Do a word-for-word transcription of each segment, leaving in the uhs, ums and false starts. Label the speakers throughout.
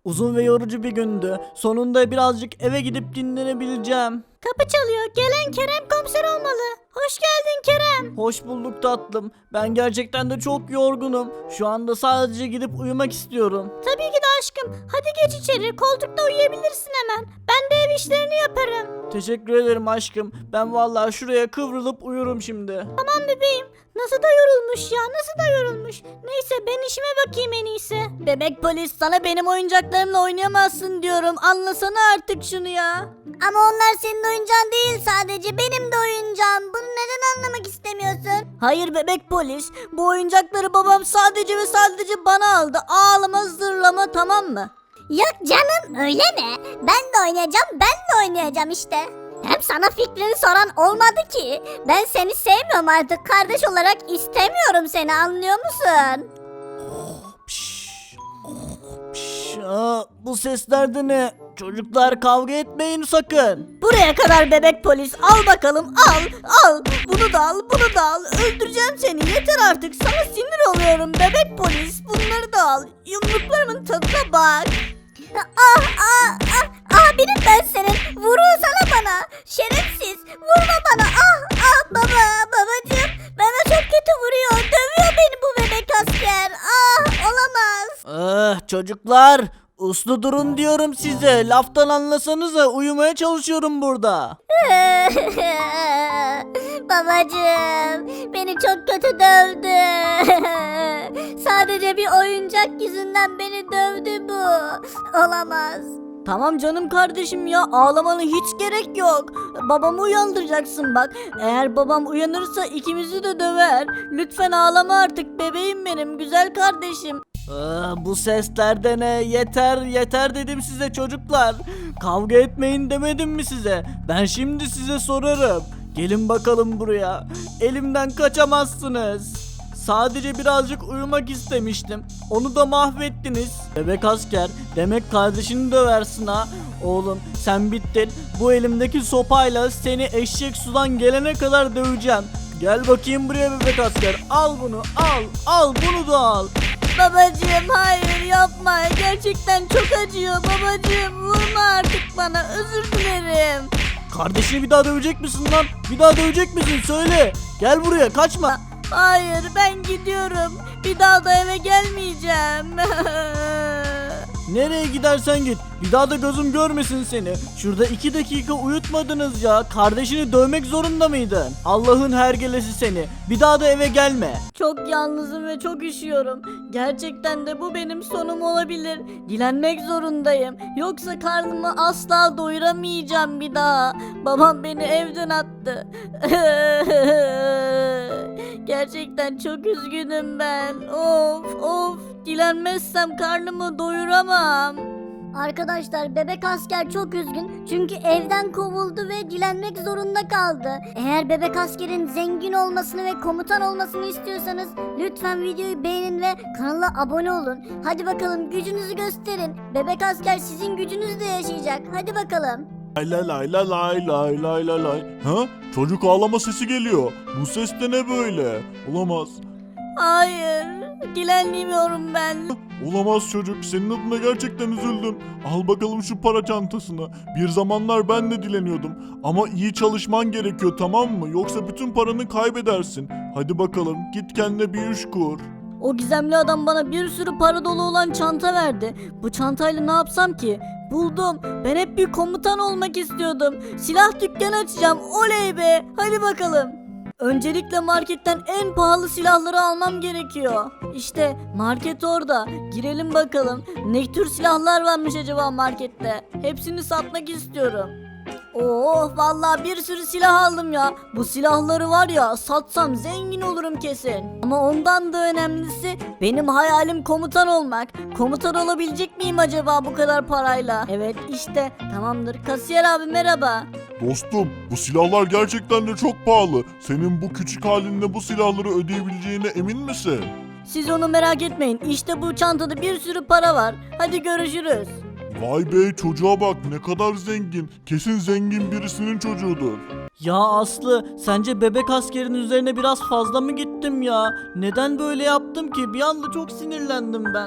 Speaker 1: Uzun ve yorucu bir gündü. Sonunda birazcık eve gidip dinlenebileceğim.
Speaker 2: Kapı çalıyor. Gelen Kerem komiser olmalı. Hoş geldin Kerem.
Speaker 1: Hoş bulduk tatlım. Ben gerçekten de çok yorgunum. Şu anda sadece gidip uyumak istiyorum.
Speaker 2: Tabii ki de aşkım. Hadi geç içeri. Koltukta uyuyabilirsin hemen. Ben de ev işlerini yaparım.
Speaker 1: Teşekkür ederim aşkım. Ben vallahi şuraya kıvrılıp uyurum şimdi.
Speaker 2: Tamam bebeğim. Nasıl da yorulmuş ya. Nasıl da yorulmuş. Neyse ben işime bakayım en iyisi. Bebek polis sana benim oyuncaklarımla oynayamazsın diyorum. Anlasana artık şunu ya. Ama onlar senin oyuncağın değil sadece. Benim de oyuncağım. Bunu neden anlamak istemiyorsun? Hayır bebek polis. Bu oyuncakları babam sadece ve sadece bana aldı. Ağlama zırlama tamam mı?
Speaker 3: Yok canım öyle mi? Ben de oynayacağım ben de oynayacağım işte. Hem sana fikrini soran olmadı ki. Ben seni sevmiyorum artık kardeş olarak istemiyorum seni anlıyor musun?
Speaker 1: Pişt, pişt. Aa, bu sesler de ne? Çocuklar kavga etmeyin sakın.
Speaker 2: Buraya kadar bebek polis al bakalım al al bunu da al bunu da al öldüreceğim seni yeter artık sana sinir oluyorum bebek polis bunları da al yumruklarımın tadına bak.
Speaker 3: Ah ah ah abinim ben senin vurursana bana şerefsiz vurma bana ah ah baba babacığım bana çok kötü vuruyor dövüyor beni bu bebek asker ah olamaz.
Speaker 1: Ah, çocuklar uslu durun diyorum size. Laftan anlasanıza uyumaya çalışıyorum burada.
Speaker 3: Babacığım beni çok kötü dövdü. Sadece bir oyuncak yüzünden beni dövdü bu. Olamaz.
Speaker 2: Tamam canım kardeşim ya ağlamana hiç gerek yok. Babamı uyandıracaksın bak. Eğer babam uyanırsa ikimizi de döver. Lütfen ağlama artık bebeğim benim güzel kardeşim.
Speaker 1: Ah, bu sesler de ne? Yeter yeter dedim size çocuklar. Kavga etmeyin demedim mi size? Ben şimdi size sorarım. Gelin bakalım buraya. Elimden kaçamazsınız. Sadece birazcık uyumak istemiştim. Onu da mahvettiniz. Bebek asker, demek kardeşini döversin ha. Oğlum sen bittin. Bu elimdeki sopayla seni eşek sudan gelene kadar döveceğim. Gel bakayım buraya bebek asker. Al bunu al. Al bunu da al.
Speaker 2: Babacığım hayır yapma gerçekten çok acıyor babacığım vurma artık bana özür dilerim.
Speaker 1: Kardeşini bir daha dövecek misin lan? Bir daha dövecek misin? Söyle. Gel buraya kaçma.
Speaker 2: Hayır ben gidiyorum bir daha da eve gelmeyeceğim.
Speaker 1: Nereye gidersen git. Bir daha da gözüm görmesin seni. Şurada iki dakika uyutmadınız ya. Kardeşini dövmek zorunda mıydın? Allah'ın hergelesi seni. Bir daha da eve gelme.
Speaker 2: Çok yalnızım ve çok üşüyorum. Gerçekten de bu benim sonum olabilir. Dilenmek zorundayım. Yoksa karnımı asla doyuramayacağım bir daha. Babam beni evden attı. Gerçekten çok üzgünüm ben. Of of. Dilenmezsem karnımı doyuramam.
Speaker 3: Arkadaşlar bebek asker çok üzgün çünkü evden kovuldu ve dilenmek zorunda kaldı. Eğer bebek askerin zengin olmasını ve komutan olmasını istiyorsanız lütfen videoyu beğenin ve kanala abone olun. Hadi bakalım gücünüzü gösterin. Bebek asker sizin gücünüzle yaşayacak. Hadi bakalım.
Speaker 4: Lay lay lay lay lay lay lay lay lay. Ha? Çocuk ağlama sesi geliyor. Bu ses de ne böyle? Olamaz.
Speaker 2: Hayır. Dilenmiyorum ben.
Speaker 4: Olamaz çocuk. Senin adına gerçekten üzüldüm. Al bakalım şu para çantasını. Bir zamanlar ben de dileniyordum. Ama iyi çalışman gerekiyor tamam mı? Yoksa bütün paranı kaybedersin. Hadi bakalım git kendine bir iş kur.
Speaker 2: O gizemli adam bana bir sürü para dolu olan çanta verdi. Bu çantayla ne yapsam ki? Buldum. Ben hep bir komutan olmak istiyordum. Silah dükkanı açacağım. Oley be. Hadi bakalım. Öncelikle marketten en pahalı silahları almam gerekiyor. İşte market orada. Girelim bakalım. Ne tür silahlar varmış acaba markette? Hepsini satmak istiyorum. Oh vallahi bir sürü silah aldım ya. Bu silahları var ya satsam zengin olurum kesin. Ama ondan da önemlisi benim hayalim komutan olmak. Komutan olabilecek miyim acaba bu kadar parayla? Evet işte tamamdır. Kasiyer abi merhaba.
Speaker 4: Dostum bu silahlar gerçekten de çok pahalı. Senin bu küçük halinde bu silahları ödeyebileceğine emin misin?
Speaker 2: Siz onu merak etmeyin. İşte bu çantada bir sürü para var. Hadi görüşürüz.
Speaker 4: Vay be çocuğa bak ne kadar zengin. Kesin zengin birisinin çocuğudur.
Speaker 1: Ya Aslı, sence bebek askerin üzerine biraz fazla mı gittim ya? Neden böyle yaptım ki? Bir anda çok sinirlendim ben.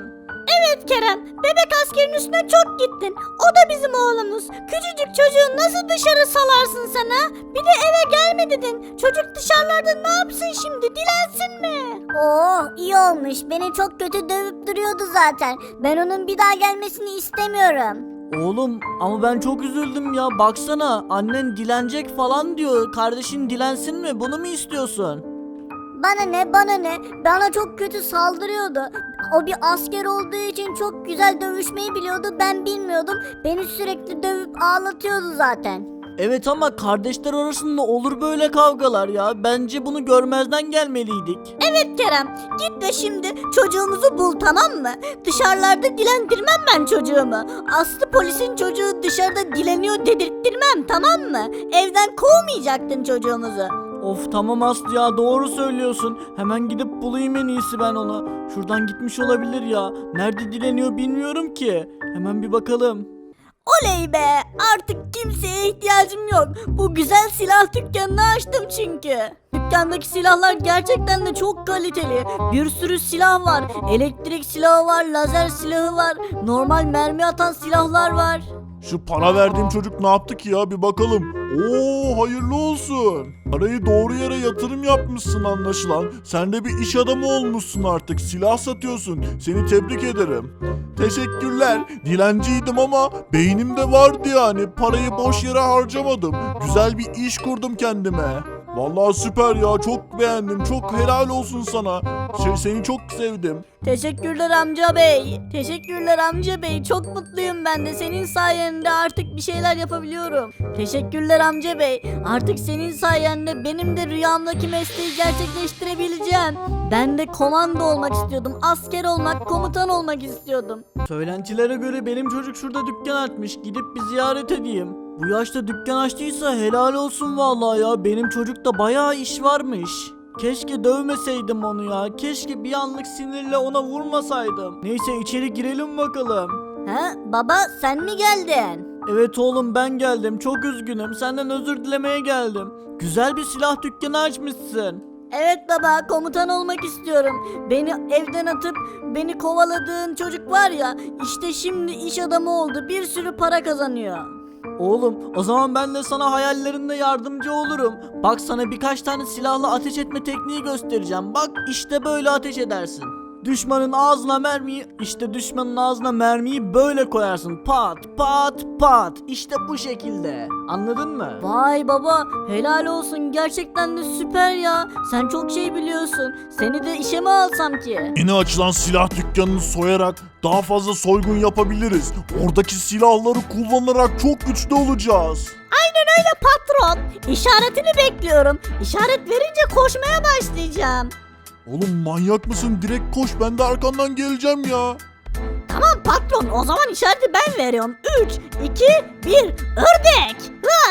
Speaker 2: Evet Kerem, bebek askerin üstüne çok gittin. O da bizim oğlumuz. Küçücük çocuğu nasıl dışarı salarsın sen ha? Bir de eve gelme dedin. Çocuk dışarılarda ne yapsın şimdi? Dilensin mi?
Speaker 3: Oh iyi olmuş. Beni çok kötü dövüp duruyordu zaten. Ben onun bir daha gelmesini istemiyorum.
Speaker 1: Oğlum ama ben çok üzüldüm ya. Baksana annen dilenecek falan diyor. Kardeşin dilensin mi? Bunu mu istiyorsun?
Speaker 3: Bana ne bana ne, bana çok kötü saldırıyordu. O bir asker olduğu için çok güzel dövüşmeyi biliyordu, ben bilmiyordum. Beni sürekli dövüp ağlatıyordu zaten.
Speaker 1: Evet ama kardeşler arasında olur böyle kavgalar ya. Bence bunu görmezden gelmeliydik.
Speaker 2: Evet Kerem, git de şimdi çocuğumuzu bul, tamam mı? Dışarılarda dilendirmem ben çocuğumu. Aslı polisin çocuğu dışarıda dileniyor dedirttirmem, tamam mı? Evden kovmayacaktın çocuğumuzu.
Speaker 1: Of tamam Aslı ya, doğru söylüyorsun. Hemen gidip bulayım en iyisi ben onu. Şuradan gitmiş olabilir ya. Nerede dileniyor bilmiyorum ki. Hemen bir bakalım.
Speaker 2: Oley be, artık kimseye ihtiyacım yok. Bu güzel silah dükkanını açtım çünkü. Dükkandaki silahlar gerçekten de çok kaliteli. Bir sürü silah var. Elektrik silahı var, lazer silahı var, normal mermi atan silahlar var.
Speaker 4: Şu para verdiğim çocuk ne yaptı ki ya, bir bakalım. Oo, hayırlı olsun. Parayı doğru yere yatırım yapmışsın anlaşılan. Sen de bir iş adamı olmuşsun artık. Silah satıyorsun. Seni tebrik ederim. Teşekkürler. Dilenciydim ama beynim de vardı yani. Parayı boş yere harcamadım. Güzel bir iş kurdum kendime. Vallahi süper ya, çok beğendim. Çok helal olsun sana. Şey, seni çok sevdim.
Speaker 2: Teşekkürler amca bey. Teşekkürler amca bey. Çok mutluyum ben de. Senin sayende artık bir şeyler yapabiliyorum. Teşekkürler amca bey. Artık senin sayende benim de rüyamdaki mesleği gerçekleştirebileceğim. Ben de komando olmak istiyordum. Asker olmak, komutan olmak istiyordum.
Speaker 1: Söylentilere göre benim çocuk şurada dükkan açmış. Gidip bir ziyaret edeyim. Bu yaşta dükkan açtıysa helal olsun vallahi ya. Benim çocukta bayağı iş varmış. Keşke dövmeseydim onu ya. Keşke bir anlık sinirle ona vurmasaydım. Neyse içeri girelim bakalım.
Speaker 2: Ha baba, sen mi geldin?
Speaker 1: Evet oğlum, ben geldim. Çok üzgünüm. Senden özür dilemeye geldim. Güzel bir silah dükkanı açmışsın.
Speaker 2: Evet baba, komutan olmak istiyorum. Beni evden atıp beni kovaladığın çocuk var ya, işte şimdi iş adamı oldu. Bir sürü para kazanıyor.
Speaker 1: Oğlum o zaman ben de sana hayallerinde yardımcı olurum. Bak, sana birkaç tane silahla ateş etme tekniği göstereceğim. Bak işte böyle ateş edersin. Düşmanın ağzına mermiyi, işte düşmanın ağzına mermiyi böyle koyarsın. Pat pat pat. İşte bu şekilde. Anladın mı?
Speaker 2: Vay baba, helal olsun, gerçekten de süper ya. Sen çok şey biliyorsun. Seni de işe mi alsam ki?
Speaker 4: Yeni açılan silah dükkanını soyarak daha fazla soygun yapabiliriz. Oradaki silahları kullanarak çok güçlü olacağız.
Speaker 2: Aynen öyle patron. İşaretini bekliyorum. İşaret verince koşmaya başlayacağım.
Speaker 4: Oğlum manyak mısın? Direkt koş, ben de arkandan geleceğim ya.
Speaker 2: Tamam patron, o zaman işareti ben veriyorum. üç, iki, bir, ördek.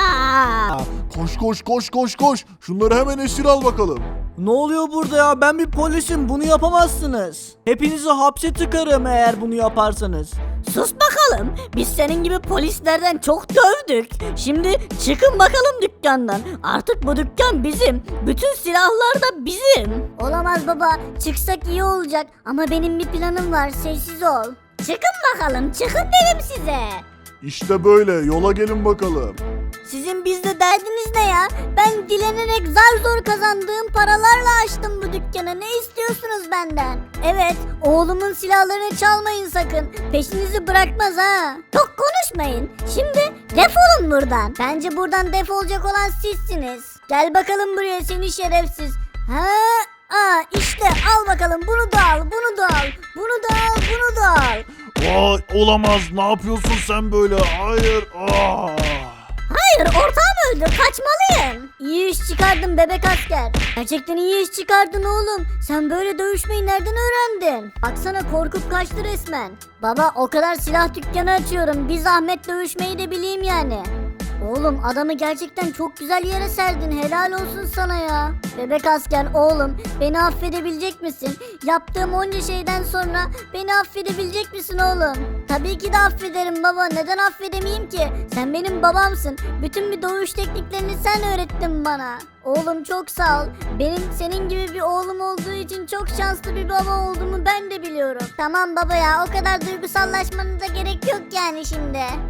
Speaker 2: Hıa!
Speaker 4: Koş koş koş koş koş. Şunları hemen esir al bakalım.
Speaker 1: Ne oluyor burada ya? Ben bir polisim. Bunu yapamazsınız. Hepinizi hapse tıkarım eğer bunu yaparsanız.
Speaker 2: Sus bakalım. Biz senin gibi polislerden çok dövdük. Şimdi çıkın bakalım dükkandan. Artık bu dükkan bizim. Bütün silahlar da bizim.
Speaker 3: Olamaz baba, çıksak iyi olacak ama benim bir planım var, sessiz ol. Çıkın bakalım, çıkın dedim size.
Speaker 4: İşte böyle, yola gelin bakalım.
Speaker 3: Sizin bizde derdiniz ne ya? Ben dilenerek zar zor kazandığım paralarla açtım bu dükkanı. Ne istiyorsunuz benden? Evet, oğlumun silahlarını çalmayın sakın. Peşinizi bırakmaz ha. Çok konuşmayın. Şimdi defolun buradan. Bence buradan defolacak olan sizsiniz. Gel bakalım buraya seni şerefsiz. Ha? Aa işte al bakalım, bunu da al, bunu da al, bunu da al, bunu da al.
Speaker 4: Vay, olamaz, ne yapıyorsun sen böyle? Hayır. Aa.
Speaker 3: Hayır, ortağım öldü, kaçmalıyım. İyi iş çıkardın bebek asker. Gerçekten iyi iş çıkardın oğlum. Sen böyle dövüşmeyi nereden öğrendin? Baksana, korkup kaçtı resmen. Baba, o kadar silah dükkanı açıyorum. Bir zahmet dövüşmeyi de bileyim yani. Oğlum adamı gerçekten çok güzel yere serdin. Helal olsun sana ya. Bebek asker oğlum beni affedebilecek misin? Yaptığım onca şeyden sonra beni affedebilecek misin oğlum? Tabii ki de affederim baba. Neden affedemeyeyim ki? Sen benim babamsın. Bütün bir doğuş tekniklerini sen öğrettin bana. Oğlum çok sağ ol. Benim senin gibi bir oğlum olduğu için çok şanslı bir baba olduğumu ben de biliyorum. Tamam baba ya, o kadar duygusallaşmana da gerek yok yani şimdi.